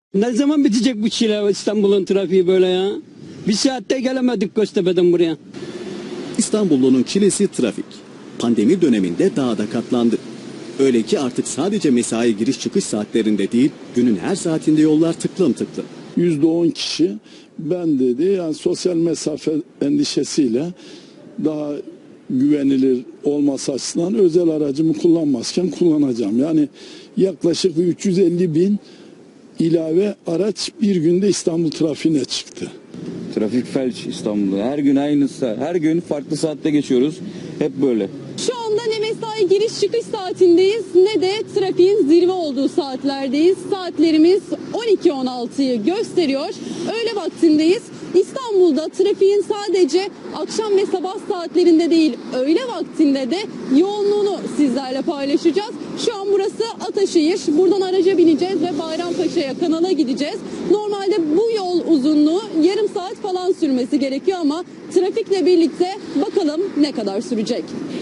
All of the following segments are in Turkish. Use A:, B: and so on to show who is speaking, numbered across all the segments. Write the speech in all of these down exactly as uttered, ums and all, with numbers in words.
A: Ne zaman bitecek bu çile İstanbul'un trafiği böyle ya? Bir saatte gelemedik Göztepe'den buraya.
B: İstanbullunun çilesi trafik. Pandemi döneminde daha da katlandı. Öyle ki artık sadece mesai giriş çıkış saatlerinde değil, günün her saatinde yollar tıklım tıklım.
C: yüzde on kişi ben dedi yani sosyal mesafe endişesiyle daha güvenilir olması açısından özel aracımı kullanmazken kullanacağım. Yani yaklaşık üç yüz elli bin ilave araç bir günde İstanbul trafiğine çıktı.
D: Trafik felç İstanbul'da. Her gün aynısı. Her gün farklı saatte geçiyoruz. Hep böyle.
E: Şu anda ne mesai giriş çıkış saatindeyiz ne de trafiğin zirve olduğu saatlerdeyiz. Saatlerimiz on iki on altıyı gösteriyor. Öğle vaktindeyiz. İstanbul'da trafiğin sadece akşam ve sabah saatlerinde değil, öğle vaktinde de yoğunluğunu sizlerle paylaşacağız. Şu an burası Ataşehir. Buradan araca bineceğiz ve Bayrampaşa'ya, kanala gideceğiz. Normalde bu yol uzunluğu yarım saat falan sürmesi gerekiyor ama trafikle birlikte bakalım ne kadar sürecek.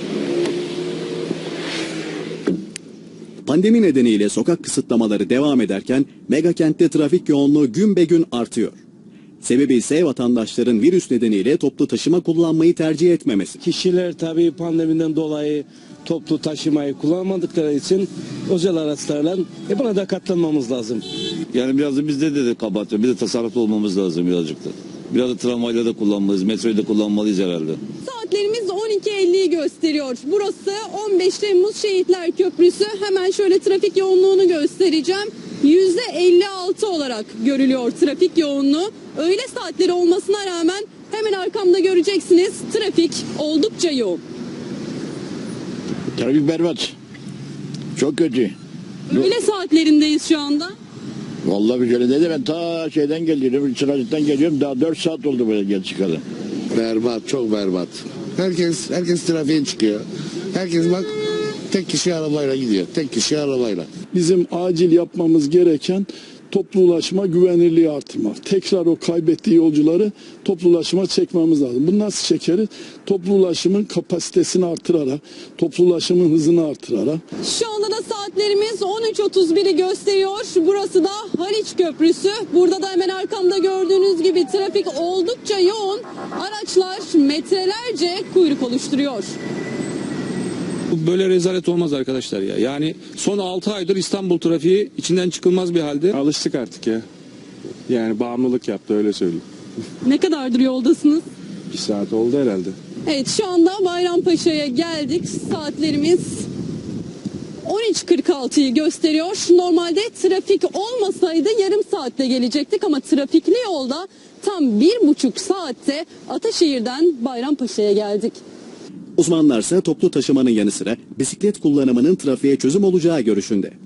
B: Pandemi nedeniyle sokak kısıtlamaları devam ederken megakentte trafik yoğunluğu gün be gün artıyor. Sebebi ise vatandaşların virüs nedeniyle toplu taşıma kullanmayı tercih etmemesi.
F: Kişiler tabii pandemiden dolayı toplu taşımayı kullanmadıkları için özel araçlarla e buna da katlanmamız lazım.
D: Yani biraz da bizde de, de kabahat var. Bir de tasarruflu olmamız lazım birazcık da. Biraz da tramvayla da kullanmalıyız, metroyu da kullanmalıyız herhalde.
E: Saatlerimiz on iki elliyi gösteriyor. Burası on beş Temmuz Şehitler Köprüsü. Hemen şöyle trafik yoğunluğunu göstereceğim. yüzde elli altı olarak görülüyor trafik yoğunluğu. Öğle saatleri olmasına rağmen hemen arkamda göreceksiniz trafik oldukça yoğun.
G: Trafik berbat. Çok kötü.
E: Öğle saatlerindeyiz şu anda.
G: Vallahi bir şöyle dedi ben ta şeyden geliyorum, Çıracık'tan geliyorum. Daha dört saat oldu böyle gel çıkalı.
H: Berbat, çok berbat. Herkes herkes trafiğe çıkıyor. Herkes bak tek kişi arabayla gidiyor. Tek kişi arabayla.
C: Bizim acil yapmamız gereken toplu ulaşma güvenirliği artırmak. Tekrar o kaybettiği yolcuları toplu ulaşıma çekmemiz lazım. Bunu nasıl çekeriz? Toplu ulaşımın kapasitesini artırarak, toplu ulaşımın hızını artırarak.
E: Şu anda da saatlerimiz on üç otuz biri gösteriyor. Burası da Haliç Köprüsü. Burada da hemen arkamda gördüğünüz gibi trafik oldukça yoğun. Araçlar metrelerce kuyruk oluşturuyor.
I: Böyle rezalet olmaz arkadaşlar ya. Yani son altı aydır İstanbul trafiği içinden çıkılmaz bir halde.
J: Alıştık artık ya. Yani bağımlılık yaptı öyle söyleyeyim.
E: Ne kadardır yoldasınız?
J: Bir saat oldu herhalde.
E: Evet şu anda Bayrampaşa'ya geldik. Saatlerimiz on üç kırk altıyı gösteriyor. Normalde trafik olmasaydı yarım saatte gelecektik ama trafikli yolda tam bir buçuk saatte Ataşehir'den Bayrampaşa'ya geldik.
B: Uzmanlarsa toplu taşımanın yanı sıra bisiklet kullanımının trafiğe çözüm olacağı görüşünde.